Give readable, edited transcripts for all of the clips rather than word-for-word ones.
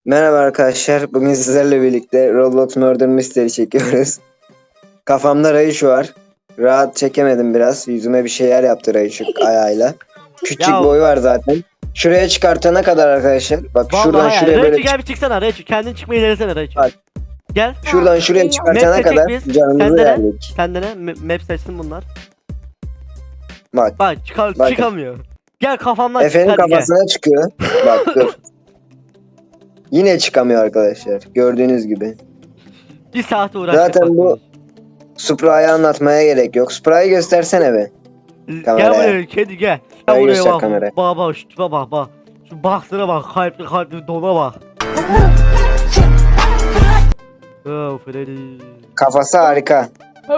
Merhaba arkadaşlar. Bugün sizlerle birlikte Roblox Murder Mystery çekiyoruz. Kafamda Rayuş var. Rahat çekemedim biraz. Yüzüme bir şeyler yaptı Rayuş ayağıyla. Küçük Ya boyu var zaten. Şuraya çıkartana kadar arkadaşlar. Bak şuradan vallahi ya. şuraya böyle Rachel gel bir çıksana Rachel. Kendin çıkmayı denesene Rachel. Bak. Gel. şuradan şuraya Map çıkartana seçecek kadar miyiz? canımızı Kendine. verdik. Kendine map seçsin bunlar. Bak. Bak Bakın. çıkamıyor. Gel kafamdan çık Efe'nin hadi gel. kafasına çıkıyor. Bak dur. Yine çıkamıyor arkadaşlar. Gördüğünüz gibi. Bir saat uğraştık Zaten bu bak. Supra'yı anlatmaya gerek yok. Supra'yı göstersene be. Gel kameraya. buraya kedi gel. Buraya Gel buraya göster bak. kameraya. Bak şu tipe bak. Şu baksana bak kalpli dona bak. Oh Freddy. Kafası harika.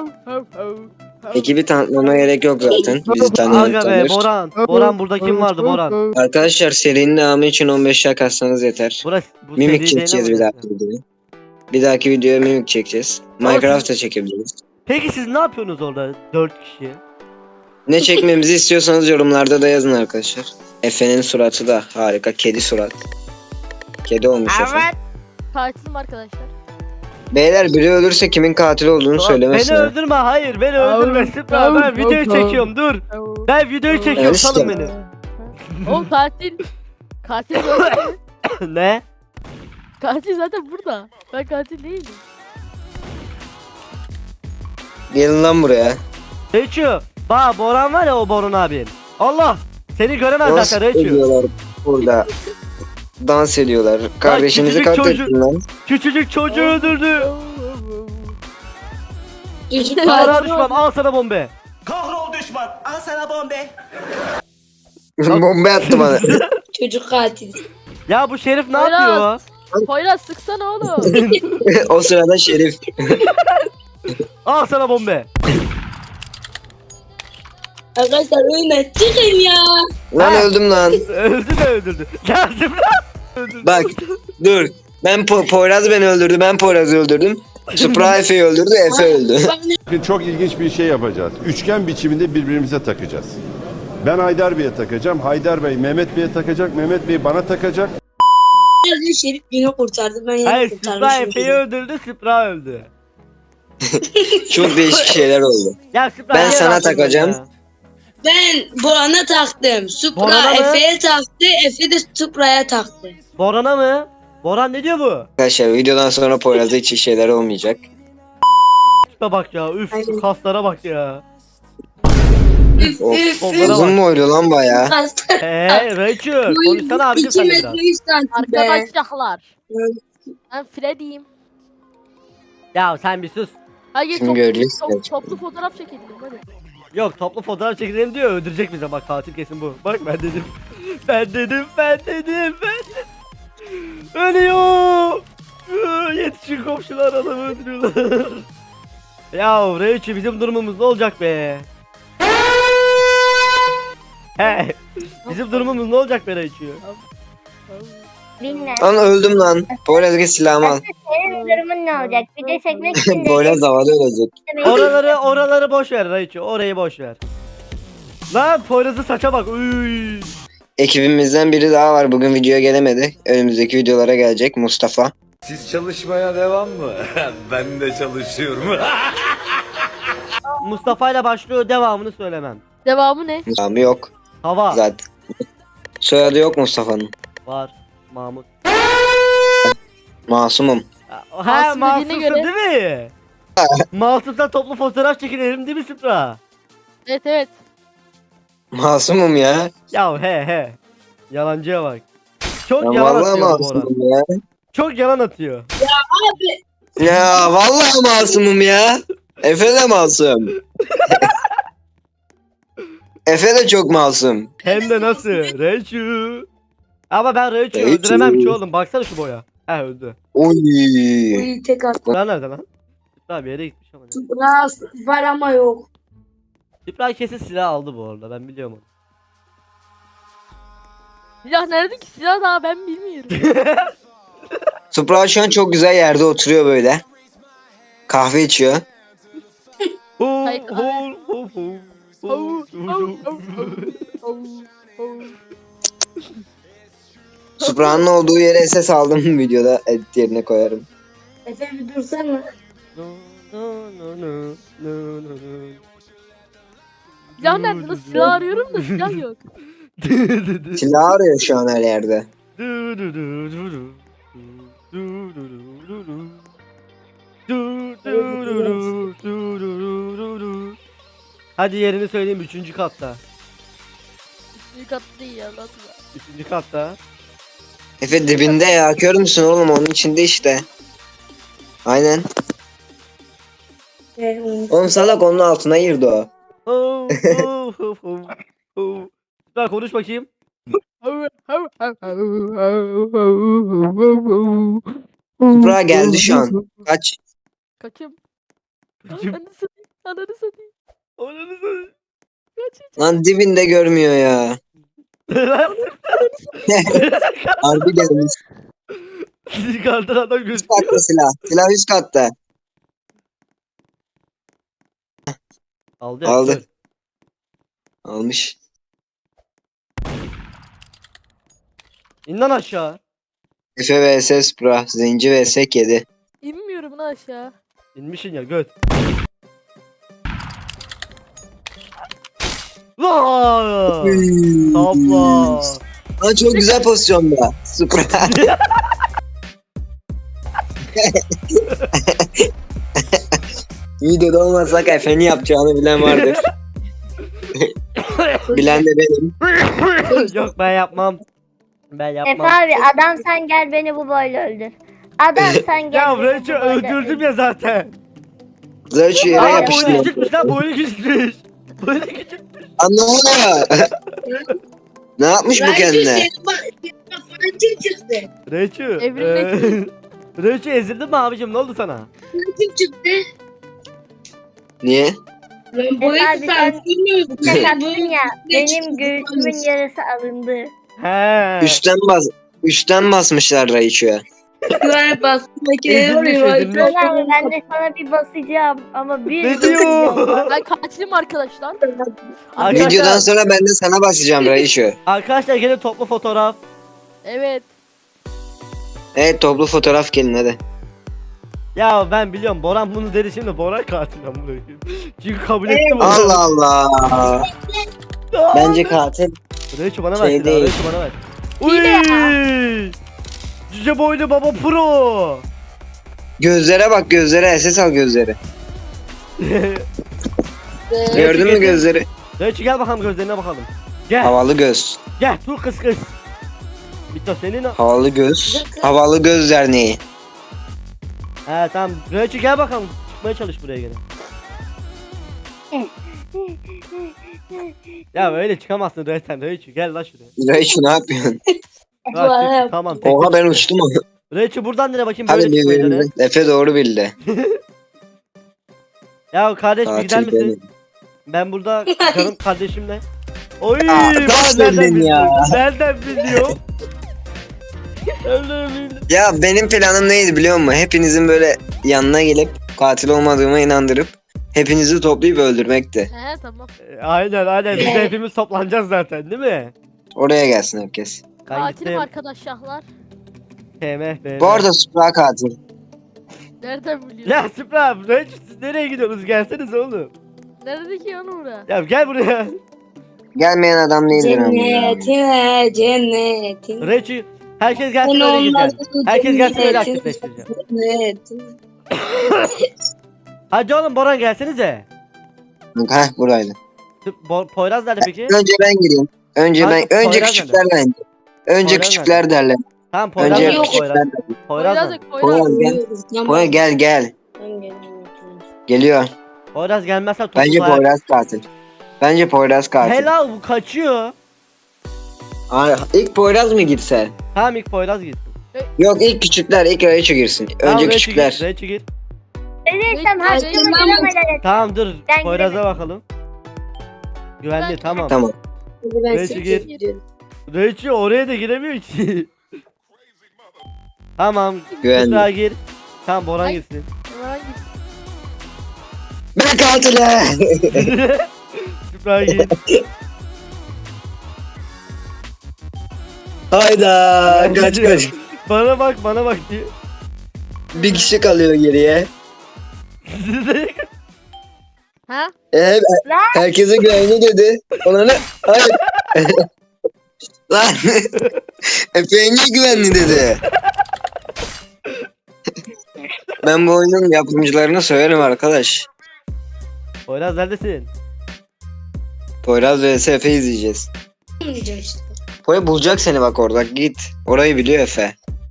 Ekibi tanıtmama gerek yok zaten. Bizi Aga be tanır. Boran burada kim vardı Boran? Arkadaşlar serinin devamı için 15 like atsanız yeter. Bu Mimik seri çekeceğiz bir dahaki videoya. Bir dahaki videoya mimik çekeceğiz. Ama Minecraft da çekebiliriz. Peki siz ne yapıyorsunuz orada 4 kişi? Ne çekmemizi istiyorsanız yorumlarda da yazın arkadaşlar. Efe'nin suratı da harika. Kedi surat. Kedi olmuş Efe. Katilim arkadaşlar. Beyler biri ölürse kimin katil olduğunu söylemesin. Beni ha. öldürme hayır beni öldürme Sıpra ben videoyu çekiyorum dur. Ben videoyu çekiyorum Evet, salın işte. beni. Oğlum katil. Katil zaten. Ne? Katil zaten burada. Ben katil değilim. Gelin lan buraya. Reçu. Bak Boran var ya o Boran abin. Allah seni göremez Dans zaten Reçu. ediyorlar burada. Dans ediyorlar. Kardeşinizi küçücük katlettin lan. Küçücük çocuğu öldürdü. Çocuk Kahraman düşman al sana bombe. Kahrol düşman, al sana bombe. Bomba attı bana. Çocuk katil. Ya bu Şerif ne Poyraz. yapıyor? Poyraz sıksana oğlum. O sırada Şerif. Al sana bombe. Arkadaşlar oyuna çıkın ya. Lan Ha. öldüm lan. Öldürdü. Ya Sıpra. Bak dur. Ben Poyraz beni öldürdü. Ben Poyraz'ı öldürdüm. Supra Efe'yi öldürdü. Efe öldü. Bugün çok ilginç bir şey yapacağız. Üçgen biçiminde birbirimize takacağız. Ben Haydar Bey'e takacağım. Haydar Bey Mehmet Bey'e takacak. Mehmet Bey bana takacak. Şerif beni kurtardı. Ben yine Hayır Sıpra kurtarmışım. Efe'yi öldürdü Sıpra öldü. Çok değişik şeyler oldu. Ya Sıpra Ben niye sana rahatsın takacağım. ya? Ben Boran'a taktım. Boran'a Supra mı? Efe'ye taktı. Efe de Supra'ya taktı. Boran'a mı? Boran ne diyor bu? Arkadaşlar videodan sonra Poyraz'da hiç iyi şeyler olmayacak. Tipe bak ya üf Aynen. kaslara bak ya. Of. Onlara Uzun bak. mu oydu lan baya? Rachel konuşsana abicim 2 sen de biraz. metre 100 santim be. Arkadaşlar. Ben Freddy'yim. Ya sen bir sus. Hayır Şimdi göreceğiz. toplu fotoğraf çekelim hadi. Yok toplu fotoğraf çekelim diyor öldürecek bize bak katil kesin bu. Bak ben dedim. Ben dedim. Ölüyor. Yetişin komşular adamı öldürüyorlar. Ya Rachel bizim durumumuz ne olacak be? He. Bizim durumumuz ne olacak be Rachel? Bilmem. Lan öldüm lan. Poyraz git silahımı al. Senin durumun ne olacak? Video çekmek için Poyraz havada ölecek. Oraları boş ver Rachel. Orayı boş ver. Lan Poyraz'ın saça bak. Uy. Ekibimizden biri daha var. Bugün videoya gelemedi. Önümüzdeki videolara gelecek Mustafa. Siz çalışmaya devam mı? Ben de çalışıyorum. Mustafa ile başlıyor devamını söylemem. Devamı ne? Abi yok Hava zaten. Soyadı yok Mustafa'nın. var. Mahmut. Masumum. Ha Masum masumsun dediğine göre- değil mi? Masumsan toplu fotoğraf çekinelim değil mi Sıpra? Evet. Masumum ya. Ya he. Yalancıya bak. Çok Ya yalan vallahi atıyor bu Boran. masumum ya. Çok yalan atıyor. Ya vallahi masumum ya. Efe de masum. Efe de çok masum. Hem de nasıl? Reçu. Ama ben Reçu'yu Reçu. öldüremem ki oğlum. Baksana şu boya. He öldü. Oy. Uy tek attı. Lan nerede lan? Sıpra bir yere gitmiş ama. Ne? Supra var ama yok. Sıpra kesin silah aldı bu arada. Ben biliyorum onu. Silah nerede ki? Silah daha ben bilmiyorum. Supra şu an çok güzel yerde oturuyor böyle. Kahve içiyor. Hayır, Supra'nın olduğu yere SS aldım videoda edit yerine koyarım. Efe bir dursana. Silah nerede? Nasıl silah arıyorum da silah yok. Silah arıyor şu an her yerde. Hadi yerini söyleyeyim 3. katta. Büyük attı değil ya nasıl? 3. katta. Efe dibinde ya. Kör müsün oğlum? Onun içinde işte. Aynen. Oğlum salak onun altına girdi o. Süper konuş bakayım. Supra geldi şu an. Kaç. Kaçım. Kaçım. Ananı satayım. Ananı satayım. Ananı satayım. Lan dibinde görmüyor ya. Harbi gelmiş. Kardan adam Üst gözüküyor. katta silah. Silah üst katta. Aldı. ya, Aldı. kör. Almış. İn lan aşağı. Efe vs Supra. Zenci vs kedi. İnmiyorum lan aşağı. İnmişin ya göt. Vaa! Topla. Lan çok güzel pozisyonda. Supra. Videoda olmasak Efe'nin yapacağını bilen vardır. Bilen de benim. Yok ben yapmam. Ben Efe yapmam. abi adam sen gel beni bu boyla öldür. Adam sen gel. Ya beni bu Rachel boyla öldürdüm öldür. ya zaten. Zor şu yere Aa boynu yapıştırıyor. küçükmüş lan boynu küçükmüş. Boynu küçük. Anlamına. Ne yapmış bu kendine? Kim çıktı? Rachel. Evrimleşti. Rachel ezildin mi abicim ne oldu sana? Kim çıktı? Niye? Lan bu Efe abi sen bilmiyorum. tek attın ya. Benim göğsümün yarısı alındı. He. Üstten basmışlar Raichu'ya. Güven bastım. Ezilmiş, ezilmiş. Abi ben de sana bir basacağım ama bir Ne basacağım. diyor? Ben katilim arkadaşlar. Arkadaşlar, Videodan sonra ben de sana basacağım Raichu. arkadaşlar gelin toplu fotoğraf. Evet. Evet toplu fotoğraf gelin hadi. Ya ben biliyorum Boran bunu dedi şimdi Boran katil ben bunu. Çünkü kabul ettim onu. Allah Allah. Bence katil. Rachel bana Şey ver değil. Rachel bana ver. Uy! Cüce boylu baba pro. Gözlere bak gözlere. SS al gözleri. Gördün mü getir. gözleri? Rachel gel bakalım gözlerine bakalım. Gel Havalı göz. gel dur kız kız. Bito senin o. Havalı göz. Havalı göz derneği. He tamam Rachel gel bakalım. Çıkmaya çalış buraya gene. Ya böyle çıkamazsın Rachel. Rachel gel lan şuraya. Raichu ne yapıyorsun? Bak, çık, tamam tek Oha de ben çıktı. uçtum ama. Rachel buradan nereye bakayım Hadi böyle çıkmayı dene. Efe doğru bildi. Ya kardeş bir gider Katil misin? benim. Ben burada canım kardeşimle. Oy Aa, bak nasıl nereden bildin biliyor? ya? Nereden biliyor? Nereden biliyor? Ya benim planım neydi biliyor musun? Hepinizin böyle yanına gelip katil olmadığıma inandırıp hepinizi toplayıp öldürmekti. He tamam. Aynen biz de hepimiz toplanacağız zaten değil mi? Oraya gelsin herkes. Ben Katilim gittim. arkadaşlar. TMF. Bu arada Supra katil. Nereden biliyorsun? Ya Süper abi siz nereye gidiyorsunuz gelseniz oğlum. Neredeki onu bura? Ya gel buraya. Gelmeyen adam değildir ama. Cennetine cennetin. Reçi herkes gelsin öyle gideceğim. Herkes gelsin öyle aktifleştireceğim. Cennetin. Hadi oğlum Boran gelsenize. Heh buradaydı. Poyraz nerede peki? Önce ben gireyim. Önce Kanka, önce Poyraz küçükler bence. Önce Poyraz küçükler derler. Tamam Poyraz Önce nerede? küçükler Poyraz. derler. Poyraz Poyraz nerede? yok Poyraz. Poyraz gel. Poyraz gel. Geliyor. Poyraz gelmezse toplu Bence bayağı- Poyraz katil. Bence Poyraz katil. Helal bu kaçıyor. Ay, ilk Poyraz mı gitse? Tamam ilk Poyraz gitsin. Yok ilk küçükler, ilk Raichu girsin. Tamam, Önce Reçi küçükler. gir, Reçi gir. Ölürsem Ay, hakkımı tamam. bulamadan Tamam dur Ben Poyraz'a bakalım. Güvenli Ben- tamam. Tamam. Reçi gir. Reçi oraya da giremiyor ki. Tamam. Güvenli. Kübra gir. Tamam Boran Ay. girsin. Hemen git. Ben katilim. Kübra gir. Hayda kaç kaç. Bana bak diye. Bir kişi kalıyor geriye. Ha? Herkese güvenli dedi. Ona ne? Hayır. Lan. Efe'ye niye güvenli dedi? Ben bu oyunun yapımcılarına söylerim arkadaş. Poyraz neredesin? Poyraz vs Efe izleyeceğiz. Diyeceğim işte. Poya bulacak seni bak orada git. Orayı biliyor Efe.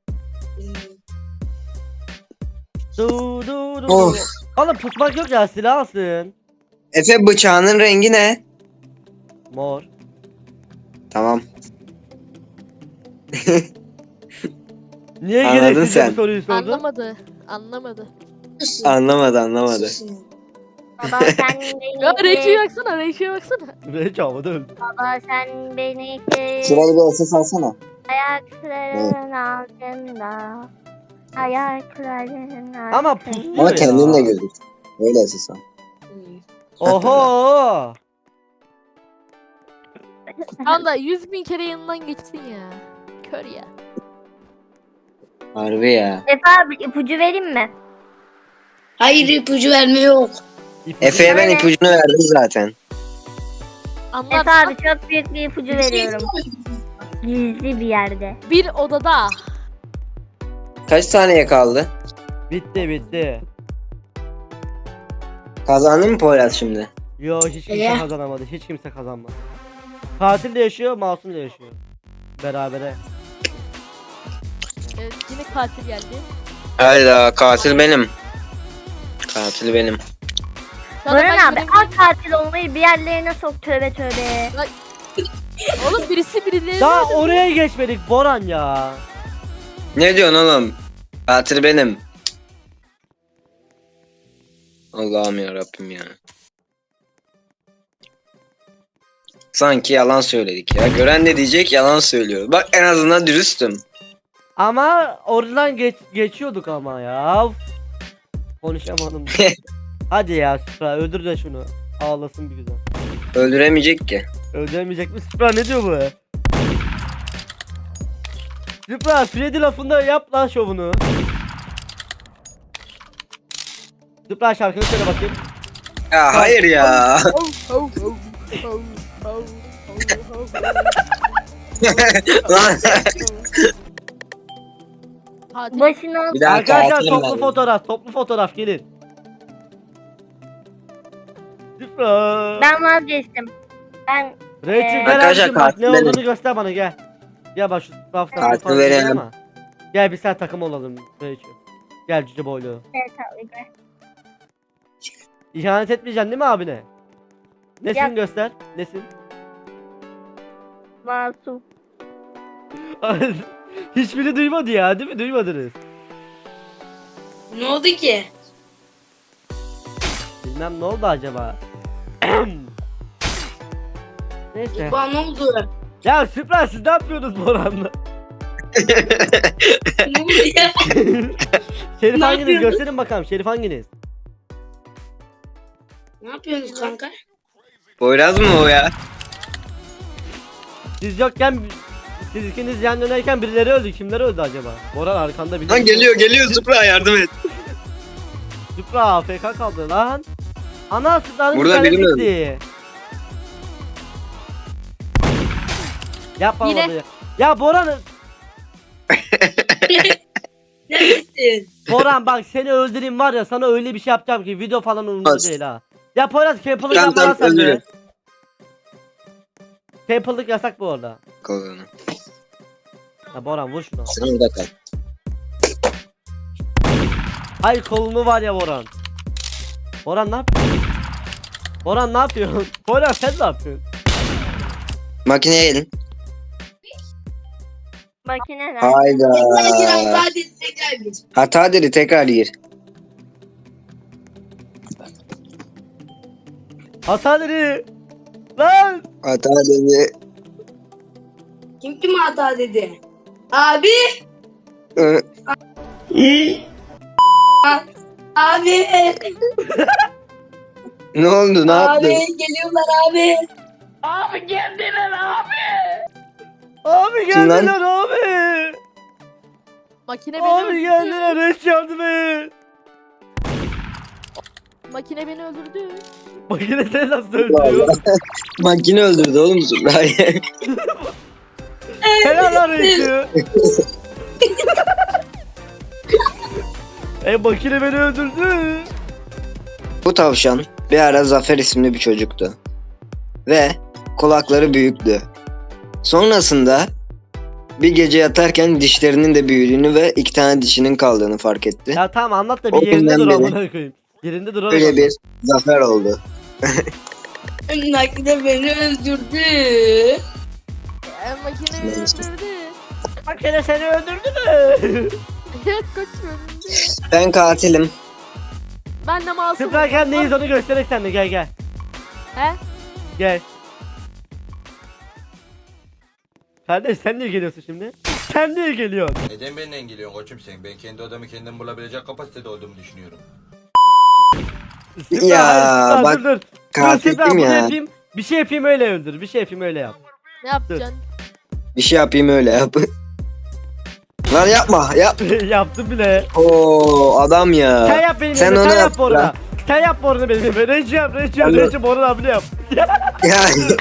Du. Of. Oğlum pusmak yok ya, silah alsın. Efe bıçağının rengi ne? Mor. Tamam. Niye Anladın gereksizce sen. bu soruyu sordun? Anlamadı. Anlamadı. Baba sen beni Ya Reçi'ye baksana, Reçi'ye baksana. Hiç havada öldü. Baba sen beni Şuraya bir ses alsana. ayaklarının altında. Ayaklarının altında. Ama pusluyor Ama ya. kendin de gözük. Öyle ses al. Oho. Tam da 100.000 kere yanından geçsin ya. Kör ya. Harbi ya. Efe abi ipucu vereyim mi? Hayır ipucu verme yok. Efe'ye ben ipucunu verdim zaten. Anlar. Efe abi çok büyük bir ipucu veriyorum. Gizli bir yerde. Bir odada. Kaç saniye kaldı? Bitti. Kazandın mı Poyraz şimdi? Yo, hiç kimse Ya. kazanamadı. Hiç kimse kazanmadı. Katil de yaşıyor, masum da yaşıyor. Berabere. Evet, yine katil geldi. Hayda katil benim. Katil benim. Zaten Baran ben abi benim- al katil olmayı bir yerlerine sok, tövbe tövbe. Oğlum birisi birileri. Daha oraya geçmedik Boran ya. Ne diyorsun oğlum? Katil benim. Allah'ım ya Rabbim ya. Sanki yalan söyledik ya. Gören ne diyecek yalan söylüyor. Bak en azından dürüstüm. Ama oradan geçiyorduk ama ya. Konuşamadım. Hadi ya Supra, öldür de şunu. Ağlasın bir güzel. Öldüremeyecek ki. Öldüremeyecek mi? Supra ne diyor bu? Supra Freddy lafında yap lan şovunu. Supra şarkını söyle bakayım. Ya hayır ya. Lan. Katil. Başına Bir daha Arkadaşlar katilim toplu fotoğraf gelin. Supra. ben vazgeçtim. Ben Rachel gel Arkadaşlar, abicim bak ne katil olduğunu göster bana gel. Gel bak şu rafta Katil falan verelim. ama. Gel bir sen takım olalım Rachel. Gel cüce boylu. İhanet etmeyeceksin değil mi abine? Nesin Yap. göster? Nesin? masum. Hiçbiri duymadı ya değil mi? Duymadınız. Ne oldu ki? Bilmem ne oldu acaba. Neyse. Bana ne oldu? Ya Süper siz ne yapıyorsunuz Boran'la? Ne oldu ya? Şerif Ne hanginiz? yapıyorsunuz? Gösterin bakalım. Şerif hanginiz? Ne yapıyorsunuz kanka? Poyraz mı o ya? Siz yokken siz ikiniz yan dönerken birileri öldü. Kimler öldü acaba? Boran arkanda bir. Lan geliyor Supra yardım et. Supra AFK kaldı lan. Ana Supra'nın Burada internet biri mi gitti. Yapma Yine. bunu ya. Ya Boran, Neredesin? Boran bak seni öldüreyim var ya, sana öyle bir şey yapacağım ki video falan umurumda Bas. değil ha. Ya Poyraz camplık Tamam, yapma lan tamam, sen de. öldürün. Camplık yasak bu arada. Kolunu. Ya Boran vur şunu. Sen orada kal. Ay kolunu var ya Boran. Boran ne yapıyorsun? Boran ne yapıyorsun? Boran sen ne yapıyorsun? Makineye gelin. Makineler. Hayda. Hadi tekrar gir. Hata dedi tekrar gir. Hataları. Lan. Hata dedi. Kim kime hata dedi? Abi! Hı. Abi! Ne oldu ne Abi yaptın? geliyorlar abi! Abi geldiler abi! Abi Kim lan? geldiler abi. Makine beni Abi öldürdü. geldiler. Reç yardım et. Makine beni öldürdü. Makine seni nasıl öldürüyor? Makine öldürdü oğlum Zuhra'yı. Helal lan Reç'i. Makine beni öldürdü. Bu tavşan bir ara Zafer isimli bir çocuktu. Ve kulakları büyüktü. Sonrasında bir gece yatarken dişlerinin de büyüdüğünü ve 2 tane dişinin kaldığını fark etti. Ya tamam anlat da O bir yerinde günden dur beri. amına koyayım. Yerinde dur oğlum. Öyle bir zafer oldu. Makine beni öldürdü. Makine beni Neyse. öldürdü. Makine seni öldürdü mü? Evet koçum öldürdü. Ben katilim. Ben de masumum. Süperken neyiz onu gösterek sen de gel gel. He? Gel. Kardeş sen niye geliyorsun şimdi? Sen niye geliyorsun? Neden benimle geliyorsun koçum sen? Ben kendi odamı kendim bulabilecek kapasitede olduğumu düşünüyorum. Süper, Ya, süper, bak, dur, dur. Dur, Katildim süper, bunu ya. yapayım. Bir şey yapayım öyle öldür. Bir şey yapayım öyle yap. Ne yapacaksın? Bir şey yapayım öyle yap. Lan yapma yap. Yaptım bile. Oo adam Sen ya. yap benim Sen yerime, onu sen yap yap bu arada. Sen yap bu arada benim yerime. Reji yap, Reji yap, Alo. Reji bu arada abone yap. Ya.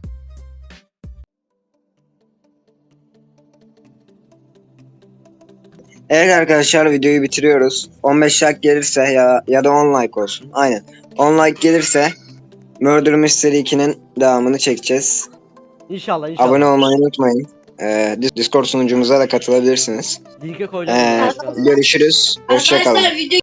Evet arkadaşlar videoyu bitiriyoruz. 15 like gelirse ya da 10 like olsun. Aynen. 10 like gelirse Murder Mystery 2'nin devamını çekeceğiz. İnşallah inşallah. Abone olmayı unutmayın. Discord sunucumuza da katılabilirsiniz. Linke koyacağım. Görüşürüz. Hoşça kalın. Arkadaşlar video